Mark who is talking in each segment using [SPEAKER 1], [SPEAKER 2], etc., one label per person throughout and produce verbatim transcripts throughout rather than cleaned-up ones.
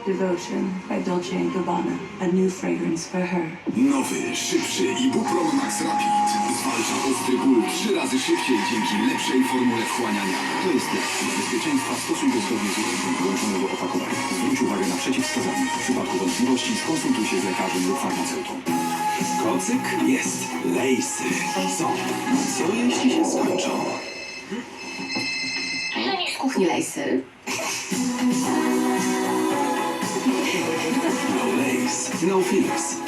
[SPEAKER 1] Devotion by Dolce and Gabbana. A new fragrance for her.
[SPEAKER 2] Nowy, szybszy Ibuprom Max Rapid zwalcza ostry ból trzy razy szybciej dzięki lepszej formule wchłaniania.
[SPEAKER 3] To jest test bezpieczeństwa stosunku zgodnie z użyciem wyłączonego opakowania. Zwróć uwagę na przeciwwskazania. W przypadku wątpliwości skonsultuj się z lekarzem lub farmaceutą.
[SPEAKER 2] Kocyk jest. Lejsy są. Co jeśli się skończą?
[SPEAKER 4] Żenisz z kuchni Lejsy.
[SPEAKER 2] No lace, no feels.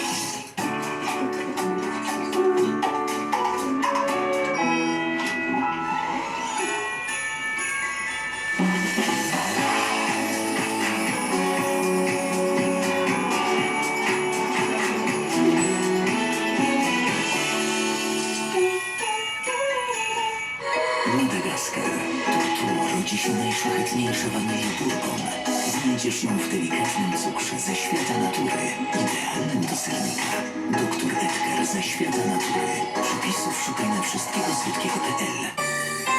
[SPEAKER 5] Madagaskar. Tu rodzi się najszlachetniejsza wanilia bourbon. Znajdziesz ją w delikatnym cukrze ze świata natury. Idealnym do sernika. Doktor Edgar ze świata natury. Przepisów szukaj na wszystkiego słodkiego kropka p l.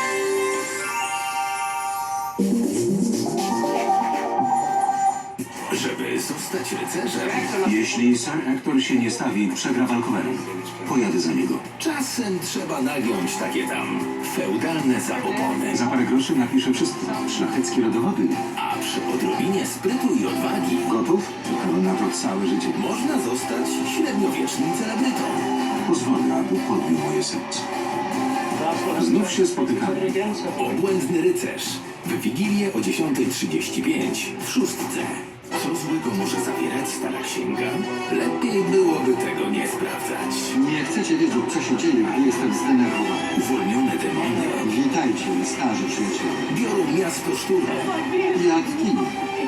[SPEAKER 2] Żeby zostać rycerzem,
[SPEAKER 3] Jeśli Sir Hector się nie stawi, przegra walkowerem. Pojadę za niego.
[SPEAKER 2] czasem trzeba nagiąć takie tam feudalne zabobony.
[SPEAKER 3] Za parę groszy napiszę wszystko. Szlacheckie rodowody.
[SPEAKER 2] A przy odrobinie sprytu i odwagi
[SPEAKER 3] Gotów? Czekam na to całe życie.
[SPEAKER 2] można zostać średniowiecznym celebrytą.
[SPEAKER 3] Pozwolę, aby podbił moje serce. Znów się spotykamy.
[SPEAKER 2] Obłędny rycerz. W Wigilię o dziesiątej trzydzieści pięć w szóstce. Co złego może zawierać stara księga? Lepiej byłoby tego nie sprawdzać.
[SPEAKER 6] Nie chcecie wiedzieć, co się dzieje, gdy jestem zdenerwowany.
[SPEAKER 2] Uwolnione demony
[SPEAKER 6] Witajcie, starzy przyjaciele.
[SPEAKER 2] biorą miasto szturmem.
[SPEAKER 6] Jak w kinie.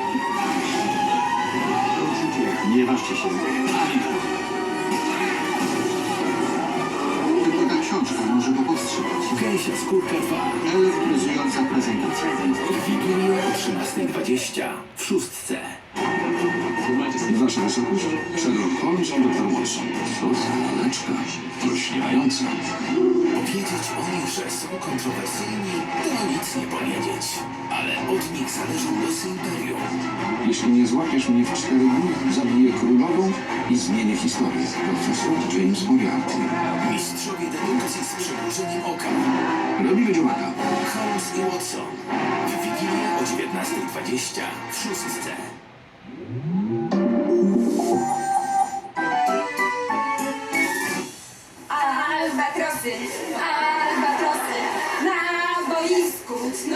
[SPEAKER 6] Nie ważcie się. Tylko ta książka może go powstrzymać.
[SPEAKER 2] Gęsia skórka dwa.
[SPEAKER 6] Elektryzująca prezentacja.
[SPEAKER 2] W Wigilię o trzynastej dwadzieścia w szóstce.
[SPEAKER 3] Wasza wysokość, Sherlock Holmes i doktor Watson. Co za laleczka. Rośniająca.
[SPEAKER 2] Powiedzieć o nich, że są kontrowersyjni, to nic nie powiedzieć. Ale od nich zależą losy imperium.
[SPEAKER 3] Jeśli nie złapiesz mnie w cztery dni, zabiję królową i zmienię historię. Profesor James Moriarty.
[SPEAKER 2] Mistrzowie dedukcji z przymrużeniem oka.
[SPEAKER 3] Robimy dziobaka.
[SPEAKER 2] Holmes i Watson. W Wigilię o dziewiętnastej dwadzieścia w szóstce.
[SPEAKER 7] Albatrosy, albatrosy, na boisku.